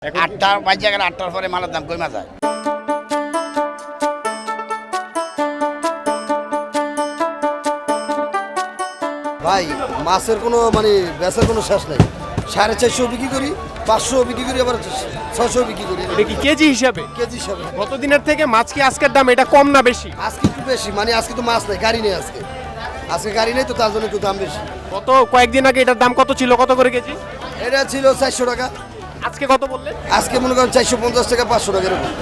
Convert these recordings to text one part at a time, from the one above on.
8টা বাজে গেলে 8টার পরে মালের দাম কমে যায়। ভাই মাছের কোনো বেচার কোনো শেষ নাই। 450 বিক্রি করি, 500 বিক্রি করি, আবার 600 বিক্রি করি। এটা কি কেজি হিসাবে? কেজি হিসাবে। গত দিনের থেকে মাছ কি আজকের দাম এটা কম না বেশি? আজকে একটু বেশি, আজকে তো মাছ নাই, গাড়ি নেই আজকে গাড়ি নেই তো তার জন্য একটু দাম বেশি। গত কয়েকদিন আগে এটার দাম কত ছিল, কত করে কেজি? এটা ছিল 400 টাকা, আজকে কত বললেন? আজকে মনে করেন 450 টাকা, 500 টাকা এরকম।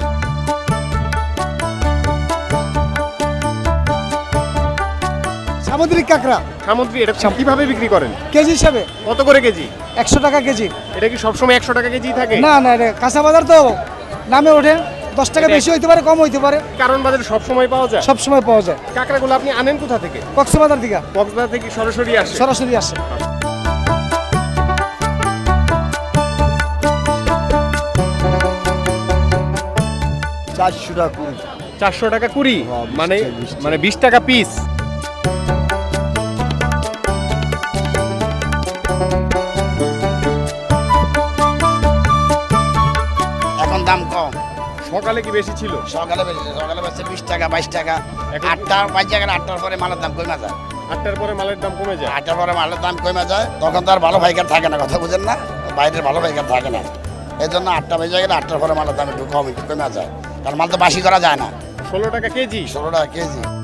সামুদ্রিক কাঁকড়া সামুদ্রিক এটা কিভাবে বিক্রি করেন? কেজি হিসাবে কত করে কেজি? 100 টাকা কেজি। এটা কি সবসময় 100 টাকা কেজি থাকে? না না, এটা কাঁচা বাজার তো নামে ওঠে, 10 টাকা বেশি হইতে পারে, কম হইতে পারে, কারণ বাজারে সব সময় পাওয়া যায়। সব সময় পাওয়া যায়। কাঁকড়াগুলো আপনি আনেন কোথা থেকে? কক্সবাজার দিকে কক্সবাজার থেকে সরাসরি আসে? সরাসরি আসে। $400 টাকা। 400 টাকা কুড়ি, হ্যাঁ, মানে 20 মানে 20 টাকা পিস। এখন দাম কম, সকালে কি বেশি ছিল? সকালে বেশি 20 টাকা 22 টাকা। 8টা বাজে গেলে 8টার পরে মালের দাম কমে যায়। 8টার পরে মালের দাম কমে যায়। 8টার পরে মালের দাম কমে যায়, তখন তো আর ভালো পাইকার থাকে না, কথা বুঝেন না, বাইরের ভালো পাইকার থাকে না। এই জন্য 8টা বেজে গেলে 8টার পরে মালের দাম একটু কমে যায়, কারণ মাল তো বাসি করা যায় না। 16 টাকা কেজি। 16 টাকা কেজি।